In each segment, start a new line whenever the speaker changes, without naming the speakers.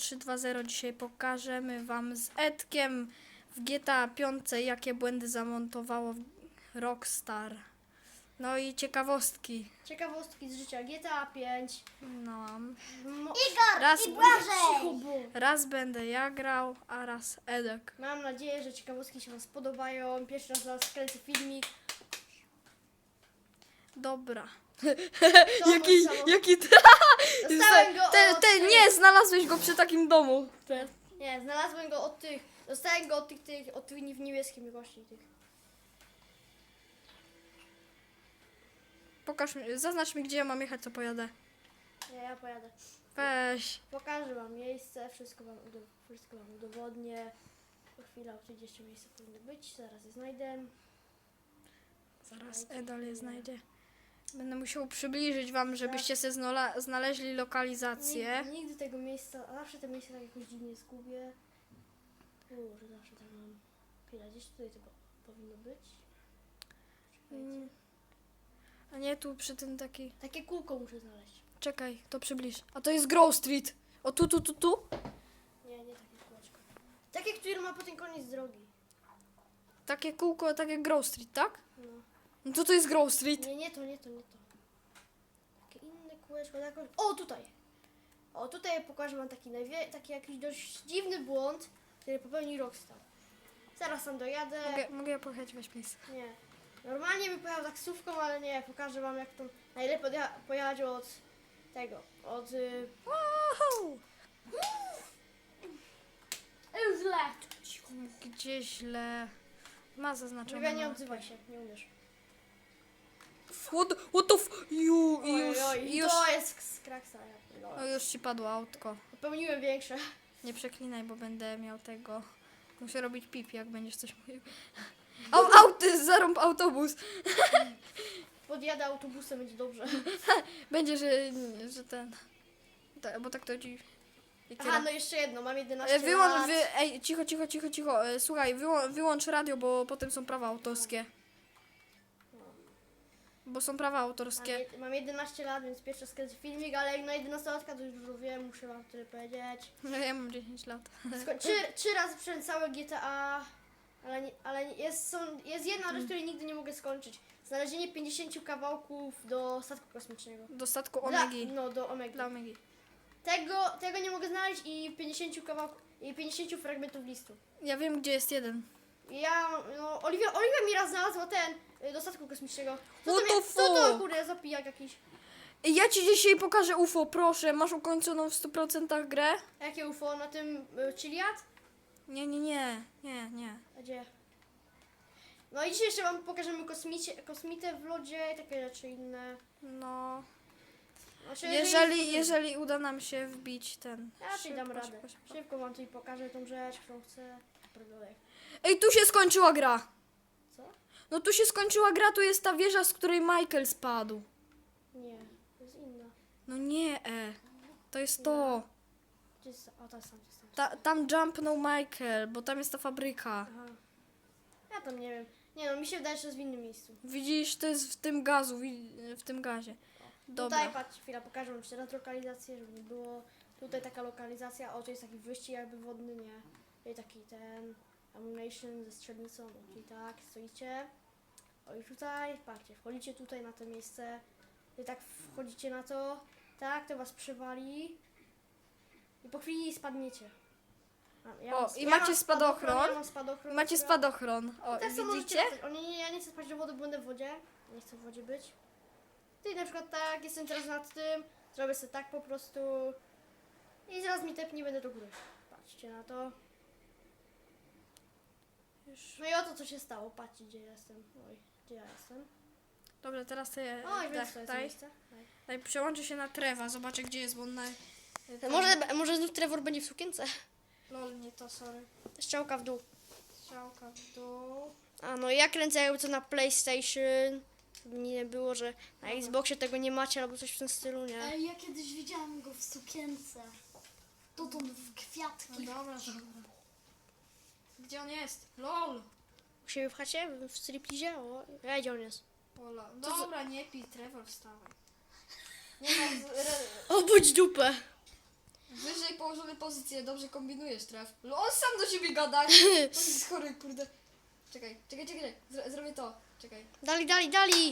3.2.0 dzisiaj pokażemy wam z Edkiem w GTA 5, jakie błędy zamontowało Rockstar. No i ciekawostki.
Ciekawostki z życia GTA 5.
No.
Igor
Raz-
i Błażej!
Raz będę ja grał, a raz Edek.
Mam nadzieję, że ciekawostki się wam spodobają. Pierwszy raz dla was kręcę filmik.
Dobra.
To
Jaki,
mój samochód.
jaki...
Dostałem go od tych-
Nie, znalazłeś go przy takim domu.
Nie, znalazłem go od tych. Dostałem go od tych w niebieskim właśnie tych.
Pokaż mi, zaznacz mi, gdzie ja mam jechać, co pojadę.
Nie, ja pojadę.
Weź.
Pokażę wam miejsce, wszystko wam udowodnię. Po chwilę oczywiście miejsce powinno być, zaraz je znajdę.
Zaraz Edal je znajdzie. Będę musiał przybliżyć wam, żebyście sobie znaleźli lokalizację.
Nigdy tego miejsca, a zawsze te miejsca tak jakoś dziwnie zgubię. Że zawsze tak mam. Chwila, gdzieś tutaj to powinno być.
Mm. A nie tu przy tym taki...
Takie kółko muszę znaleźć.
Czekaj, to przybliż. A to jest Grove Street. O tu.
Nie takie kółeczko. Takie, które ma potem koniec drogi.
Takie kółko, takie Grove Street, tak?
No.
No to jest Grove Street.
Nie to. Takie inne kółeczko. O, tutaj. O, tutaj pokażę wam taki jakiś dość dziwny błąd, który popełni Rockstar. Zaraz tam dojadę.
Mogę ja pojechać, weź please.
Nie. Normalnie bym pojechał taksówką, ale nie. Pokażę wam, jak to najlepiej pojechać od tego.
Wow!
Źle.
Gdzie źle? Ma zaznaczone.
Mówię, nie
na
odzywaj się, nie umiesz.
What the f... Już.
To jest z kraksa.
O, już ci padło autko.
Popełniłem większe.
Nie przeklinaj, bo będę miał tego... Muszę robić pip, jak będziesz coś mówił. Zarąb autobus.
Podjadę autobusem, będzie dobrze.
Będzie, że ten... Bo tak to ci...
Aha, no jeszcze jedno, mam 11
Wyłącz,
lat.
ej, cicho. Słuchaj, wyłącz radio, bo potem są prawa autorskie. Bo są prawa autorskie.
Mam 11 lat, więc pierwszy raz kręcę filmik, ale jak na 11-latka to już dużo wiem, muszę wam tyle powiedzieć.
No ja mam 10 lat.
Trzy razy przeszedłem całe GTA, ale jest jedna rzecz, której nigdy nie mogę skończyć. Znalezienie 50 kawałków do statku kosmicznego.
Do statku Omegi.
Do Omegi.
Dla Omegi.
Tego nie mogę znaleźć i 50 kawałków, i 50 fragmentów listu.
Ja wiem, gdzie jest jeden.
Oliwia mi raz znalazła do statku kosmicznego.
What
to kurde, za pijak jakiś.
Ja ci dzisiaj pokażę UFO, proszę. Masz ukończoną w 100% grę?
Jakie UFO? Na tym Chiliad?
Nie.
A gdzie? No i dzisiaj jeszcze wam pokażemy kosmitę w lodzie i takie rzeczy inne.
No.
Znaczy,
Jeżeli uda nam się wbić ten...
Ja ci dam radę.
Szybko.
Szybko wam tutaj pokażę tą rzecz, którą chcę.
Ej, tu się skończyła gra.
Co?
No tu się skończyła gra, tu jest ta wieża, z której Michael spadł.
Nie, to jest inna.
No nie, to jest to.
Gdzie jest? O, to jest tam.
Tam jumpnął Michael, bo tam jest ta fabryka.
Aha. Ja tam nie wiem. Nie no, mi się wydaje, że jest w innym miejscu.
Widzisz, to jest w tym w tym gazie. Dobra.
Tutaj, patrz, chwila, pokażę wam jeszcze raz lokalizację, żeby nie było. Tutaj taka lokalizacja, o, to jest taki wyścig jakby wodny, nie? Tutaj taki ammunition ze strzelnicą, czyli tak, stoicie. O i tutaj, patrzcie, wchodzicie tutaj na to miejsce. I tak wchodzicie na to, tak, to was przywali. I po chwili spadniecie.
Macie spadochron.
Ja mam spadochron.
Macie spadochron. O,
Tak samo
widzicie?
ja nie chcę spać do wody, będę w wodzie. Nie chcę w wodzie być. Ty na przykład tak, jestem teraz nad tym, zrobię sobie tak po prostu. I zaraz mi tepnie, będę do góry. Patrzcie na to. No i oto co się stało, patrzcie gdzie jestem. Oj, gdzie ja jestem?
Dobra, teraz ty
Oj, więc to jest miejsce.
daj, przełączę się na Trewa, zobaczę gdzie jest, bo on na...
Może znów Trevor będzie w sukience?
Lol, nie to, sorry.
Strzałka w dół.
Strzałka w dół.
A no ja kręcę jakby to na PlayStation. Żeby nie było, że na Xboxie tego nie macie albo coś w tym stylu, nie?
Ej, ja kiedyś widziałam go w sukience. Dotąd w kwiatki.
Dobra. Gdzie on jest? LOL!
U siebie w chacie? W striplizie? O, ja gdzie on jest?
Ola. Dobra, nie pij, Trevor, wstawaj. Nie
Obudź dupę!
Wyżej położone pozycje, dobrze kombinujesz, traf. No on sam do siebie gada. On jest chory, kurde. Czekaj. Zrobię to. Czekaj.
Dali.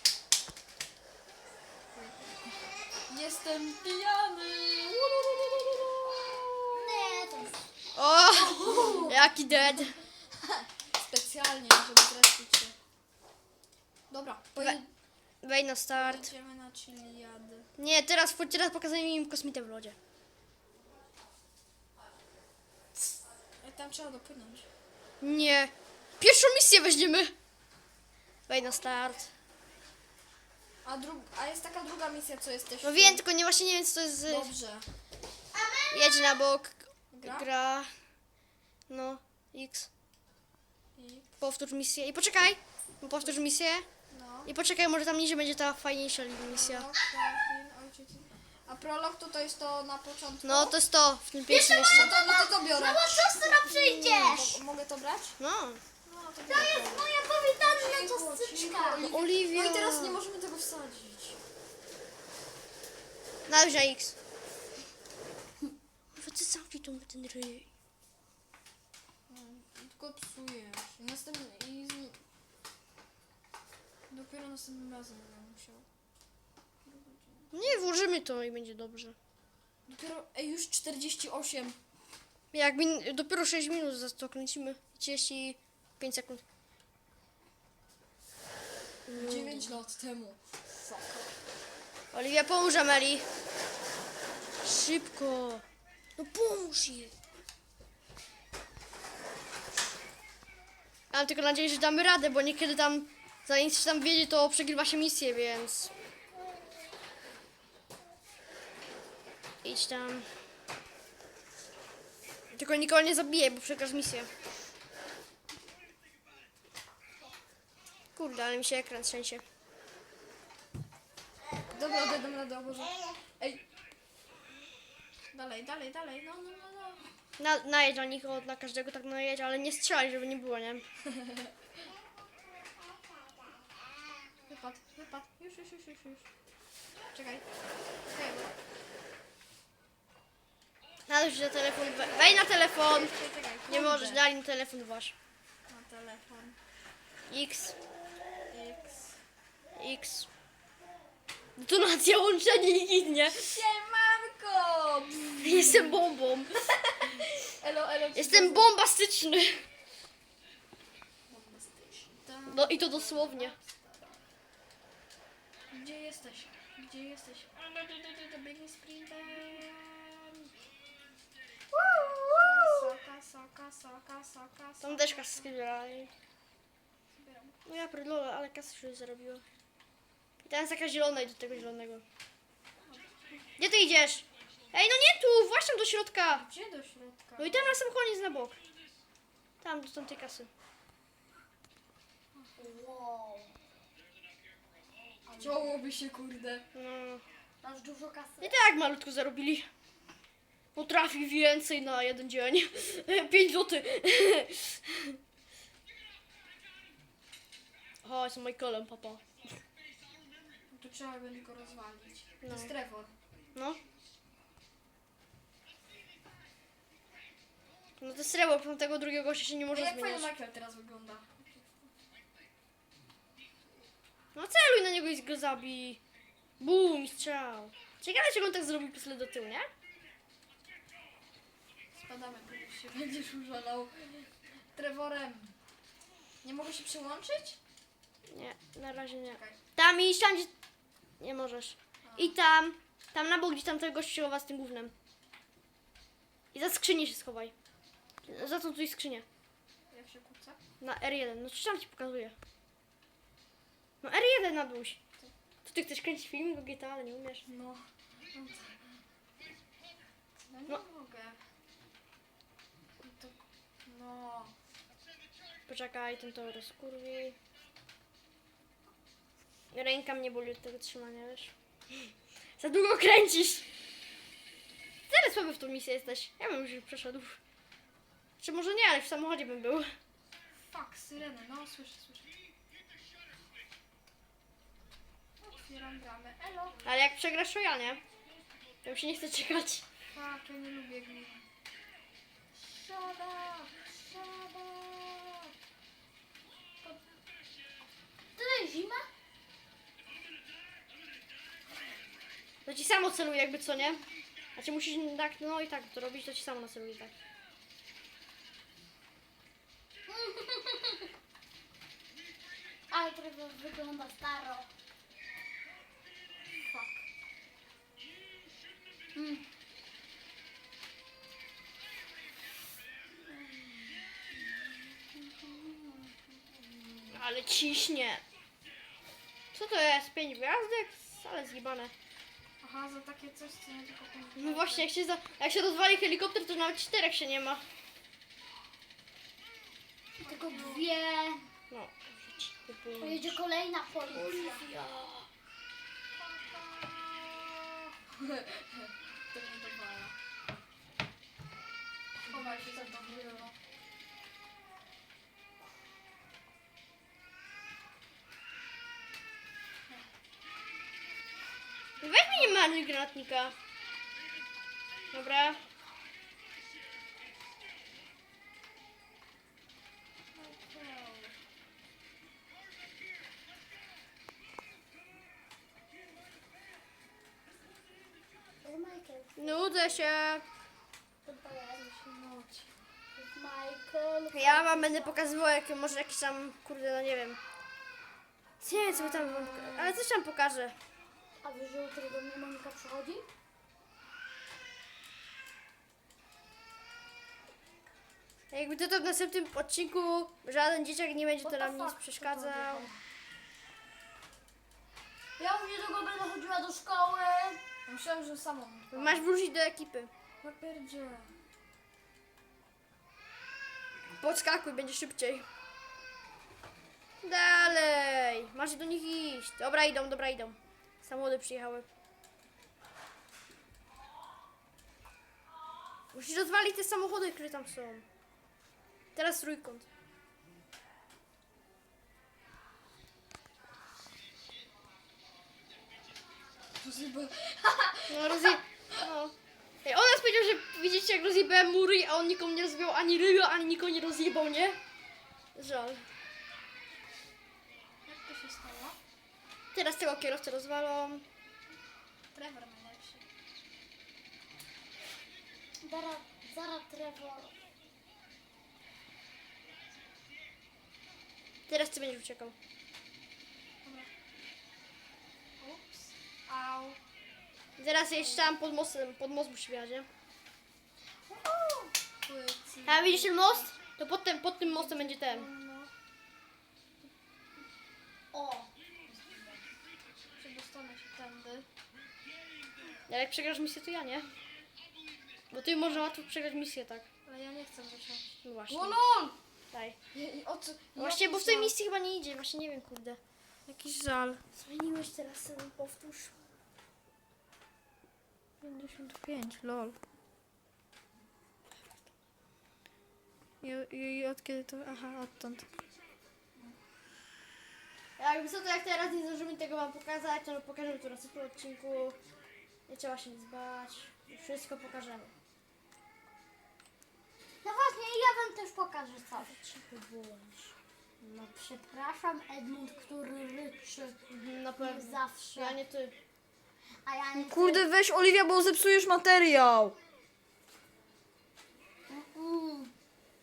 Jestem pijany.
Nie, to jest...
O! Jaki dead.
Specjalnie, żeby zrespić się. Dobra,
Wej na start.
pojedziemy na Chiliady.
Nie, teraz pokazuję im kosmitę w lodzie.
Tam trzeba dopłynąć.
Nie. Pierwszą misję weźmiemy. Wej na start.
A jest taka druga misja, co jesteś.
No wiem, tylko właśnie nie wiem co to jest.
Dobrze.
Jedź na bok.
Gra?
Gra. No. X.
I...
Powtórz misję. I poczekaj. Powtórz misję.
No.
I poczekaj, może tam niżej będzie ta fajniejsza misja.
Prolog, Darwin, ojciec. A prolog to jest to na początku?
No to jest to w tym pierwszym jeszcze.
No to biorę.
Mamo, siostra, przyjdziesz!
Mogę to brać?
No.
No to
To
biorę.
jest moja powitalna ciasteczka.
Oliwia.
No i teraz nie możemy tego wsadzić.
Nawet na X. Może ty zamknij ten ryj.
Tylko psujesz. Dopiero następnym razem będę musiał.
Nie, włożymy to i będzie dobrze.
Dopiero, już 48.
Jakby dopiero 6 minut za to kręcimy. 35 sekund.
9 lat temu.
Oliwia, pomóż Ameli. Szybko. No pomóż jej. Mam tylko nadzieję, że damy radę, bo niekiedy tam, zanim się tam wiedzie, to przegrywa się misję, więc... Idź tam. Tylko nikogo nie zabijaj, bo przegrasz misję. Kurde, ale mi się ekran trzęsie.
Dobra, dam radę, o Boże. Ej. Dalej. No.
Najedź na nich, na każdego tak najedź, ale nie strzelaj, żeby nie było, nie?
Wypad. Już. Czekaj.
Należy na telefon, wej na telefon!
Czekaj.
Nie
kurde.
możesz, dali na telefon wasz.
Na telefon.
X,
X.
X. Detonacja, łączenie i ginie.
Siemanko!
Jestem bombą.
Elo.
Jestem bombastyczny.
Tam.
No i to dosłownie.
Gdzie jesteś? Biegnij sprintem. Kasa.
Tam też kasę zbierali. No ja pierdolę, ale kasę się zarobiła. I teraz taka zielona i do tego zielonego. Gdzie ty idziesz? Ej, no nie tu, właśnie do środka.
Gdzie do środka?
No i tam na sam koniec na bok. Tam, do tamtej kasy.
Wow.
Działoby się, kurde.
No.
Masz dużo kasy?
I tak malutko zarobili. Potrafi więcej na jeden dzień. 5 zł. Chodź z Michaelem, papa.
Tu trzeba będzie go rozwalić. To
No.
jest Trevor.
No. No to srebro, bo tego drugiego gościa się nie może
Jak fajny
zmieniać.
Michael teraz wygląda.
No celuj na niego i go zabij. Bum, strzał. Ciekawe, czy on tak zrobił pusle do tyłu, nie?
Spadamy, bo się będziesz użalał. Trevorem. Nie mogę się przyłączyć?
Nie, na razie nie.
Czekaj.
Tam iść, tam gdzie... Nie możesz. I tam. Tam na bok, gdzie tam tego gościowa z tym gównem. I za skrzynię się schowaj. Za tą tutaj skrzynię.
Jak się kuca?
Na R1. No czy tam ci pokazuję? No R1 na dół. To ty chcesz kręcić film do GTA, ale nie umiesz.
No. No nie
No.
mogę. To... No.
Poczekaj, ten to rozkurwi. Ręka mnie boli od tego trzymania, wiesz? Za długo kręcisz! Tyle słaby w tą misję jesteś. Ja bym już przeszedł. Czy może nie, ale w samochodzie bym był.
Fuck, syreny. No, słyszę. Otwieram bramę. Elo.
Ale jak przegrasz, to ja nie. To już się nie chcę czekać.
Fuck, ja nie lubię gli.
Szada! Tyle zima?
To ci samo celuje jakby co, nie? Znaczy musisz tak, no i tak to robić, to ci samo naceluje tak.
Ale trochę wygląda staro. Fuck.
Ale ciśnie. Co to jest? 5 gwiazdek? Ale zjebane.
Aha, za takie coś, co nie tylko pięć.
No właśnie, jak się rozwali helikopter, to nawet 4 się nie ma.
Tylko dwie.
No.
Pojedzie kolejna policja.
To nie dowala. Chowaj się za to biuro.
Weź mi nie marnuj granatnika. Dobra.
Michael.
Nudzę się.
To pojawi się noc. Michael.
Ja wam będę pokazywał, jak może jakiś tam, kurde, no nie wiem. Nie wiem, co by tam wam ale coś tam pokażę.
A wiesz, że jutro do mnie Monika przychodzi?
Jakby to w następnym odcinku żaden dzieciak nie będzie to nam nic przeszkadzał.
Ja już niedługo będę chodziła do szkoły.
Myślałem, że samą.
Masz wrócić do ekipy.
Ja pierdzie.
Podskakuj, będzie szybciej. Dalej. Masz do nich iść. Dobra, idą. Samochody przyjechały. Musisz rozwalić te samochody, które tam są. Teraz trójkąt. No No. Ej, on nas powiedział, że widzicie jak rozjebałem mury, a on nikomu nie rozbił ani ryja, ani nikogo nie rozjebał, nie? Żal.
Jak to się stało?
Teraz tego kierowcę rozwalą.
Trevor najlepszy. Zara Trevor.
Teraz ty będziesz uciekał.
Ups. Au.
Zaraz jeszcze tam pod most musi wjechać, nie?
Płyci.
A widzisz ten most? To pod tym mostem będzie ten.
No. O.
Przedostanę się tędy.
Ale jak przegrasz misję, to ja nie. Bo ty można łatwo przegrać misję, tak?
Ale ja nie chcę wysiąść.
No właśnie.
O lol!
Daj.
O co?
No właśnie, bo w tej misji chyba nie idzie, właśnie nie wiem, kurde.
Jakiś żal.
Zmieniłeś teraz sobie, powtórz.
55, lol. I od kiedy to? Aha, odtąd.
Jakby co, to jak teraz nie zdążymy tego wam pokazać, to pokażemy to na następnym odcinku. Nie trzeba się nic bać. Wszystko pokażemy.
No właśnie, ja wam też pokażę coś.
Cicho bądź.
No przepraszam, Edmund, który ryczy.
Na
Jak
pewno.
zawsze.
Ja nie ty.
A ja nie
Kurde, weź Oliwia, bo zepsujesz materiał.
Mm.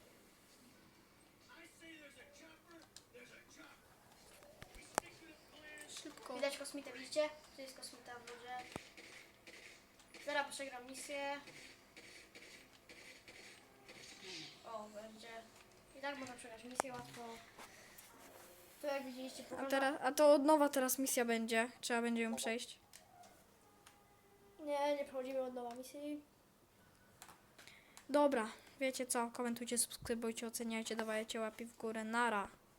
Szybko.
Widać kosmitę, widzicie? To jest kosmita w wodzie. Zaraz przegram misję. O, będzie. I tak można przegrać misję łatwo. To jak widzieliście,
A to od nowa teraz misja będzie. Trzeba będzie ją przejść.
Nie przechodzimy od nowa misji.
Dobra, wiecie co? Komentujcie, subskrybujcie, oceniajcie, dawajcie łapy w górę. Nara.